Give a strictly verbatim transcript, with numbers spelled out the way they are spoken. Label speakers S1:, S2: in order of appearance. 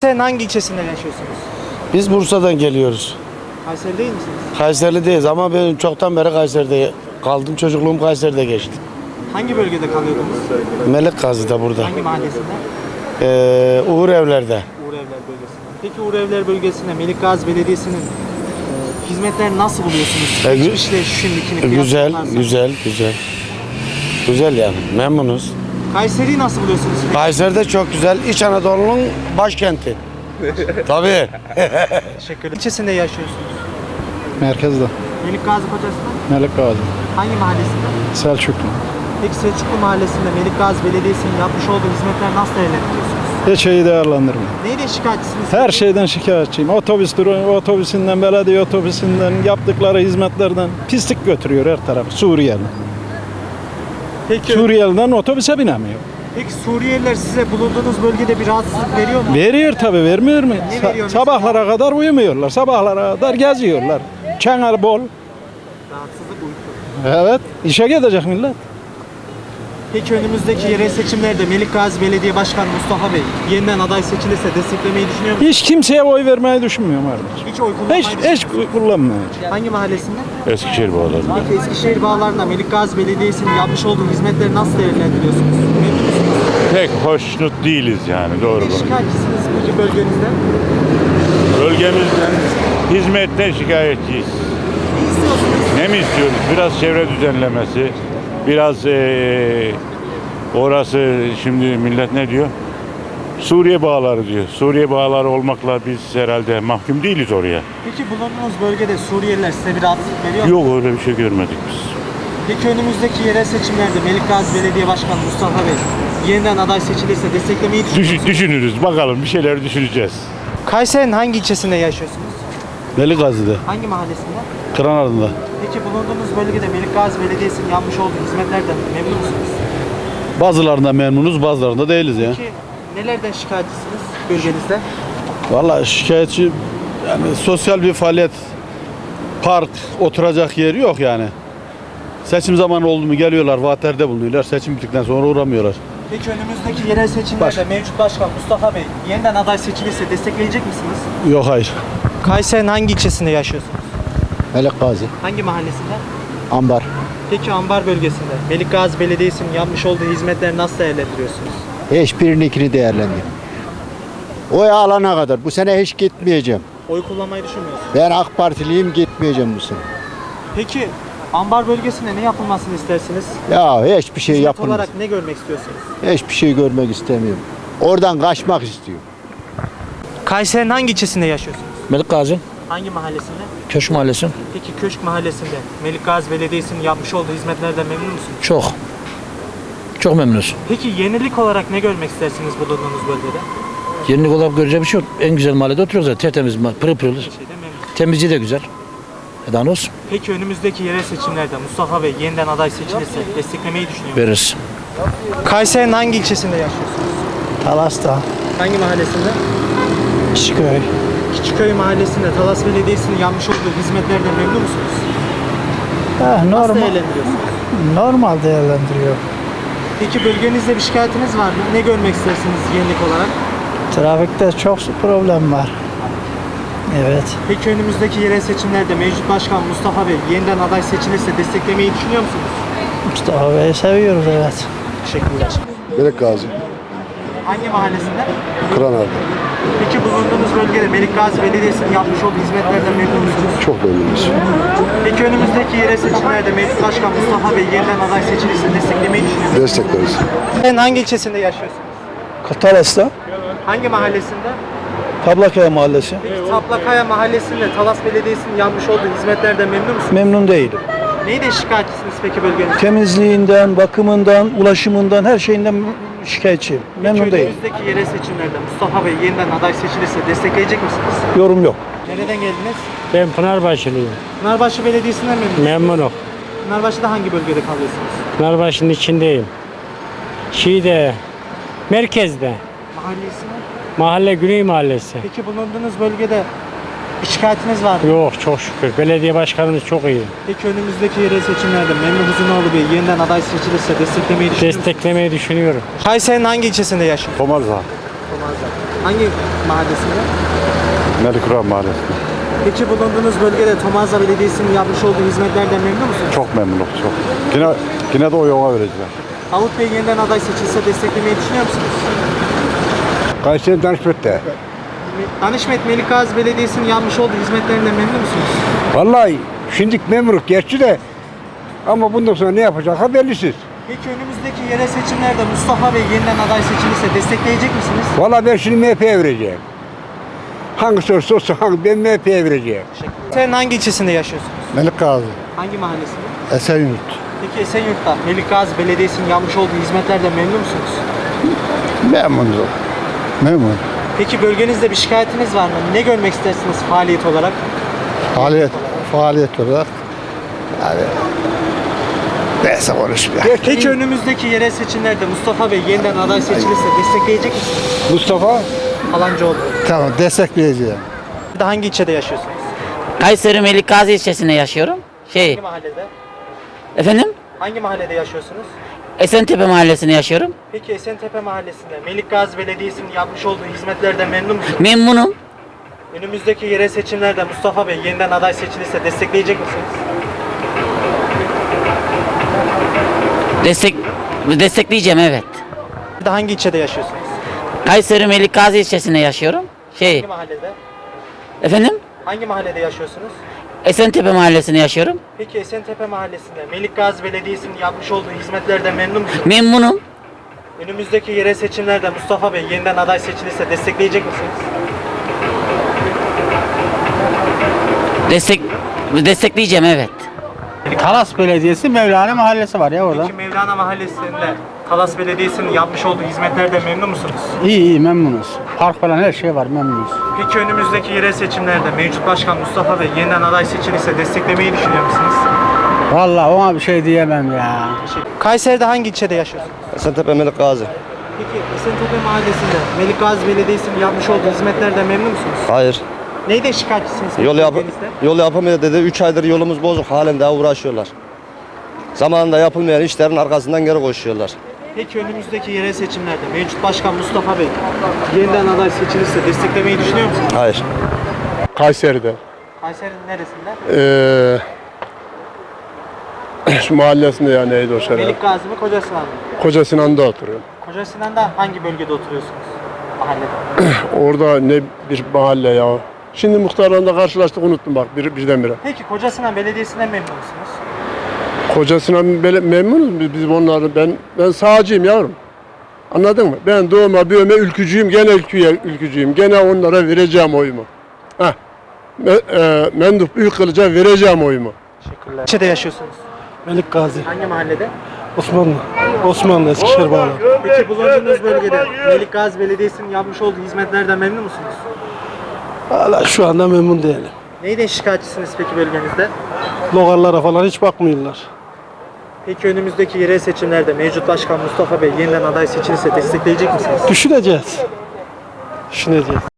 S1: Sen hangi ilçesinde yaşıyorsunuz?
S2: Biz Bursa'dan geliyoruz.
S1: Kayseri değil misiniz?
S2: Kayseri'deyiz ama ben çoktan beri Kayseri'de kaldım. Çocukluğum Kayseri'de geçti.
S1: Hangi bölgede kalıyordunuz?
S2: Melik Gazi'de burada.
S1: Hangi mahallesinde?
S2: Ee, Uğur Evler'de.
S1: Uğur Evler bölgesinde. Peki Uğur Evler bölgesinde Melik Gazi Belediyesi'nin e, hizmetlerini nasıl buluyorsunuz?
S2: E, gü-
S1: Geçmişle şimdikini
S2: Güzel,
S1: kıyaslarsanız.
S2: güzel, güzel. Güzel yani. Memnunuz.
S1: Kayseri'yi nasıl buluyorsunuz?
S2: Kayseri'de çok güzel. İç Anadolu'nun başkenti. Tabii.
S1: Teşekkürler. İlçesinde yaşıyorsunuz.
S3: Merkezde.
S1: Melik Gazi Kocasi'nde
S3: Melik Gazi.
S1: hangi mahallesinde?
S3: Selçuklu.
S1: Peki Selçuklu Mahallesi'nde Melik Gazi Belediyesi'nin yapmış olduğu hizmetler nasıl değerlendiriyorsunuz?
S3: Hiç şeyi değerlendirmiyor.
S1: Neyle şikayetçisiniz?
S3: Her şeyden şikayetçiyim. Otobüs duru- otobüsünden, belediye otobüsünden, yaptıkları hizmetlerden pislik götürüyor her taraf. Suriyeli.
S1: Peki,
S3: Suriyeliden otobüse binemiyor.
S1: peki Suriyeliler size bulunduğunuz bölgede bir rahatsızlık veriyor mu?
S3: Veriyor tabii, vermiyor mu?
S1: Ne
S3: Sa-
S1: veriyor mesela?
S3: sabahlara kadar uyumuyorlar. Sabahlara kadar geziyorlar. Kenar bol.
S1: Rahatsızlık uyku.
S3: Evet, işe gidecek millet.
S1: Peki önümüzdeki yerel seçimlerde Melik Gazi Belediye Başkanı Mustafa Bey yeniden aday seçilirse desteklemeyi düşünüyor musunuz?
S3: Hiç kimseye oy vermeyi düşünmüyorum kardeşim.
S1: Hiç oy kullanmayı
S3: Hiç,
S1: düşünüyor
S3: hiç
S1: musunuz?
S3: kullanmıyor.
S1: Hangi mahallesinde?
S4: Eskişehir bağlarında.
S1: Peki Eskişehir bağlarında Melik Gazi Belediyesi'nin yapmış olduğu hizmetleri nasıl değerlendiriyorsunuz? Memnun musunuz?
S4: Pek hoşnut değiliz yani doğru
S1: Ne
S4: bu.
S1: şikayetçisiniz peki bölgenizden?
S4: Bölgemizden hizmetten şikayetçiyiz.
S1: Ne istiyorsunuz?
S4: Ne mi istiyoruz? Biraz çevre düzenlemesi, biraz eee, orası şimdi millet ne diyor? Suriye bağları diyor. Suriye bağları olmakla biz herhalde mahkum değiliz oraya.
S1: Peki bulunduğunuz bölgede Suriyeliler size bir rahatsızlık veriyor mu?
S4: Yok öyle bir şey görmedik biz.
S1: Peki önümüzdeki yerel seçimlerde Melik Gazi Belediye Başkanı Mustafa Bey yeniden aday seçilirse desteklemeyi düşünüyor
S4: Düş-
S1: musunuz?
S4: düşünürüz bakalım bir şeyler düşüneceğiz.
S1: Kayseri'nin hangi ilçesinde yaşıyorsunuz?
S2: Melik Gazi'de.
S1: Hangi mahallesinde?
S2: Kıranar'da.
S1: Peki bulunduğunuz bölgede Melik Gazi Belediyesi'nin yapmış olduğu hizmetlerden memnun musunuz?
S2: Bazılarında memnunuz, bazılarında değiliz ya.
S1: Peki nelerden şikayetçisiniz bölgenizde?
S2: Vallahi şikayetçi yani sosyal bir faaliyet, park, oturacak yer yok yani. Seçim zamanı oldu mu geliyorlar, vaatlerde bulunuyorlar. Seçim bittikten sonra uğramıyorlar.
S1: Peki önümüzdeki yerel seçimlerde mevcut başkan Mustafa Bey yeniden aday seçilirse destekleyecek misiniz?
S2: Yok hayır.
S1: Kayseri'nin hangi ilçesinde yaşıyorsunuz?
S3: Melik Gazi.
S1: Hangi mahallesinde?
S3: Ambar.
S1: Peki Ambar bölgesinde Melik Gazi Belediyesi'nin yapmış olduğu hizmetleri nasıl değerlendiriyorsunuz?
S5: Hiçbirininkini değerlendir. Oy alana kadar bu sene hiç gitmeyeceğim.
S1: Oy kullanmayı düşünmüyorsunuz.
S5: Ben AK Partiliyim, gitmeyeceğim bu sene.
S1: Peki Ambar bölgesinde ne yapılmasını istersiniz?
S5: Ya hiçbir şey
S1: Hizmet
S5: yapılmaz.
S1: olarak ne görmek istiyorsunuz?
S5: Hiçbir şey görmek istemiyorum. Oradan kaçmak istiyorum.
S1: Kayseri'nin hangi ilçesinde yaşıyorsunuz?
S6: Melik Gazi,
S1: Hangi mahallesinde?
S6: Köşk Mahallesi.
S1: Peki Köşk Mahallesi'nde Melik Gazi Belediyesi'nin yapmış olduğu hizmetlerden memnun musunuz?
S6: Çok. Çok memnunuz.
S1: Peki yenilik olarak ne görmek istersiniz bulunduğunuz bölgede?
S6: Yenilik olarak göreceği bir şey yok. En güzel mahallede oturuyoruz zaten. Tertemiz, ma- pırıl pırıl.
S1: Şeyde memnun.
S6: Temizliği de güzel. E daha ne olsun?
S1: Peki önümüzdeki yerel seçimlerde Mustafa Bey yeniden aday seçilirse desteklemeyi düşünüyor musunuz?
S6: Veririz.
S1: Kayseri'nin hangi ilçesinde yaşıyorsunuz?
S3: Talas'ta.
S1: Hangi mahallesinde?
S3: Şiköy.
S1: Küçükköy Mahallesi'nde Talas Belediyesi'nin yapmış olduğu hizmetlerden memnun musunuz?
S3: Eh,
S1: Nasıl
S3: normal,
S1: değerlendiriyorsunuz?
S3: normal değerlendiriyor.
S1: Peki bölgenizde bir şikayetiniz var mı? Ne görmek istersiniz yenilik olarak?
S3: Trafikte çok problem var. Evet.
S1: Peki önümüzdeki yerel seçimlerde mevcut başkan Mustafa Bey yeniden aday seçilirse desteklemeyi düşünüyor musunuz?
S3: Mustafa Bey'i seviyoruz, evet.
S1: Teşekkürler.
S7: Melik Gazi,
S1: Hangi mahallesinde?
S7: Kıranar'da.
S1: Peki bulunduğunuz bölgede Melik Gazi Belediyesi'nin yapmış olduğu hizmetlerden memnun musunuz?
S7: Çok memnunuz.
S1: Peki önümüzdeki yerel seçimlerde mevcut başkan Mustafa Bey yeniden aday seçilirse desteklemeyi düşünüyor musunuz?
S7: Destekleriz.
S1: Sen hangi ilçesinde yaşıyorsunuz?
S3: Talas'ta.
S1: Hangi mahallesinde?
S3: Tablakaya Mahallesi.
S1: Peki Taplakaya Mahallesi'nde Talas Belediyesi'nin yapmış olduğu hizmetlerden memnun musunuz?
S3: Memnun değilim.
S1: Neyden şikayetçisiniz peki bölgenizde?
S3: Temizliğinden, bakımından, ulaşımından, her şeyinden şikayetçiyim. Memnun
S1: Peki
S3: değilim.
S1: önümüzdeki yerel seçimlerde Mustafa Bey yeniden aday seçilirse destekleyecek misiniz?
S3: Yorum yok.
S1: Nereden geldiniz?
S8: Ben Pınarbaşılıyım.
S1: Pınarbaşı Belediyesi'nden memnun musunuz?
S8: Memnunum.
S1: Pınarbaşı'da hangi bölgede kalıyorsunuz?
S8: Pınarbaşı'nın içindeyim. Şeyde, merkezde.
S1: Mahallesi mi?
S8: Mahalle Güney Mahallesi.
S1: Peki bulunduğunuz bölgede bir şikayetiniz var mı?
S8: Yok çok şükür. Belediye başkanımız çok iyi.
S1: Peki önümüzdeki yerel seçimlerde Memduh Uzunoğlu Bey yeniden aday seçilirse desteklemeyi düşünüyor musunuz?
S8: Desteklemeyi düşünüyorum.
S1: Kayseri'nin hangi ilçesinde yaşıyorsunuz?
S4: Tomarza.
S1: Tomarza. Hangi mahallesinde?
S2: Melikura Mahallesi'nde.
S1: Peki bulunduğunuz bölgede Tomarza Belediyesi'nin yapmış olduğu hizmetlerden memnun musunuz?
S2: Çok memnunum, çok. Yine, yine de oy ona vereceğim.
S1: Davut Bey yeniden aday seçilse desteklemeyi düşünüyor musunuz?
S7: Kayseri Danışmet'te.
S1: Danışmet Melikgazi Belediyesi'nin yapmış olduğu hizmetlerinden memnun musunuz?
S7: Vallahi şimdilik memuruk gerçi de ama bundan sonra ne yapacak bellisiz.
S1: Peki önümüzdeki yerel seçimlerde Mustafa Bey yeniden aday seçilirse destekleyecek misiniz?
S7: Vallahi ben şimdi M H P'ye vereceğim. Hangisi olursa olsun hangi ben M H P'ye vereceğim.
S1: Sen hangi ilçesinde yaşıyorsunuz?
S5: Melik Gazi,
S1: Hangi mahallesinde?
S5: Esenyurt.
S1: Peki Esenyurt'ta Melikgazi Belediyesi'nin yapmış olduğu hizmetlerden memnun musunuz?
S5: Memnunum. Memnun.
S1: Peki bölgenizde bir şikayetiniz var mı? Ne görmek istersiniz faaliyet olarak?
S5: Faaliyet, faaliyet olarak yani neyse konuşmuyor.
S1: Peki önümüzdeki yerel seçimlerde Mustafa Bey yeniden aday seçilirse destekleyecek misiniz?
S7: Mustafa
S1: Alancıoğlu.
S5: Tamam, destekleyeceğim.
S1: Bir de hangi ilçede yaşıyorsunuz?
S9: Kayseri Melikgazi ilçesinde yaşıyorum. Şey,
S1: Hangi mahallede?
S9: efendim?
S1: Hangi mahallede yaşıyorsunuz?
S9: Esentepe mahallesinde yaşıyorum.
S1: Peki Esentepe Mahallesi'nde Melikgazi Belediyesi'nin yapmış olduğu hizmetlerden memnun musunuz?
S9: Memnunum.
S1: Önümüzdeki yerel seçimlerde Mustafa Bey yeniden aday seçilirse destekleyecek misiniz?
S9: Destek destekleyeceğim, evet.
S1: Bir de hangi ilçede yaşıyorsunuz?
S9: Kayseri Melikgazi ilçesinde yaşıyorum. Şey,
S1: Hangi mahallede?
S9: efendim?
S1: Hangi mahallede yaşıyorsunuz?
S9: Esentepe mahallesinde yaşıyorum.
S1: Peki Esentepe Mahallesi'nde Melikgazi Belediyesi'nin yapmış olduğu hizmetlerden memnun musunuz?
S9: Memnunum.
S1: Önümüzdeki yerel seçimlerde Mustafa Bey yeniden aday seçilirse destekleyecek misiniz?
S9: Destek destekleyeceğim, evet.
S8: Talas Belediyesi Mevlana Mahallesi var ya orada.
S1: Peki Mevlana Mahallesi'nde Talas Belediyesi'nin yapmış olduğu hizmetlerden memnun musunuz?
S8: İyi iyi memnunuz. Park falan her şey var memnunuz.
S1: Peki önümüzdeki yerel seçimlerde mevcut başkan Mustafa Bey yeniden aday seçilirse desteklemeyi düşünüyor musunuz?
S8: Vallahi ona bir şey diyemem ya.
S1: Kayseri'de hangi ilçede yaşıyorsunuz?
S10: Esentepe Melik Gazi.
S1: Peki Esentepe Mahallesi'nde Melikgazi Belediyesi'nin yapmış olduğu hizmetlerden memnun musunuz?
S10: Hayır.
S1: Neyden şikayetçisiniz?
S10: Yol, yap
S1: bölgenizde?
S10: yol yapamıyor dedi. üç aydır yolumuz bozuk. Halen daha uğraşıyorlar. Zamanında yapılmayan işlerin arkasından geri koşuyorlar.
S1: Peki önümüzdeki yerel seçimlerde mevcut başkan Mustafa Bey yeniden aday seçilirse desteklemeyi düşünüyor musunuz?
S10: Hayır.
S11: Kayseri'de.
S1: Kayseri'nin neresinde?
S11: Ee, şu mahallesinde ya neydi o şehir?
S1: Melikgazi mi Koca Sinan mı?
S11: Koca Sinan'da oturuyorum.
S1: Koca Sinan'da hangi bölgede oturuyorsunuz? Mahallede.
S11: Orada ne bir mahalle ya. Şimdi muhtarlarla karşılaştık unuttum bak bir, birdenbire.
S1: Peki Koca Sinan Belediyesi'nden memnun musunuz?
S11: Koca Sinan bele- memnunuz biz, biz onları. Ben ben sağcıyım yavrum. Anladın mı? Ben doğma büyüme ülkücüyüm. Gene ülküye ülkücüyüm. Gene onlara vereceğim oyumu. Heh. Me, e, Mendup Büyükkılıç'a vereceğim oyumu.
S1: Teşekkürler. İlçede yaşıyorsunuz.
S3: Melik Gazi,
S1: Hangi mahallede?
S3: Osmanlı, Osmanlı Eskişehir bağlı.
S1: Peki bulunduğunuz bölgede Melikgazi Belediyesi'nin yapmış olduğu hizmetlerden memnun musunuz?
S3: Hala şu anda memnun değilim.
S1: Neyden şikayetçisiniz peki bölgenizde?
S3: Logarlara falan hiç bakmıyorlar.
S1: Peki önümüzdeki yerel seçimlerde mevcut başkan Mustafa Bey yeniden aday seçilirse destekleyecek misiniz?
S3: Düşüneceğiz. Düşüneceğiz.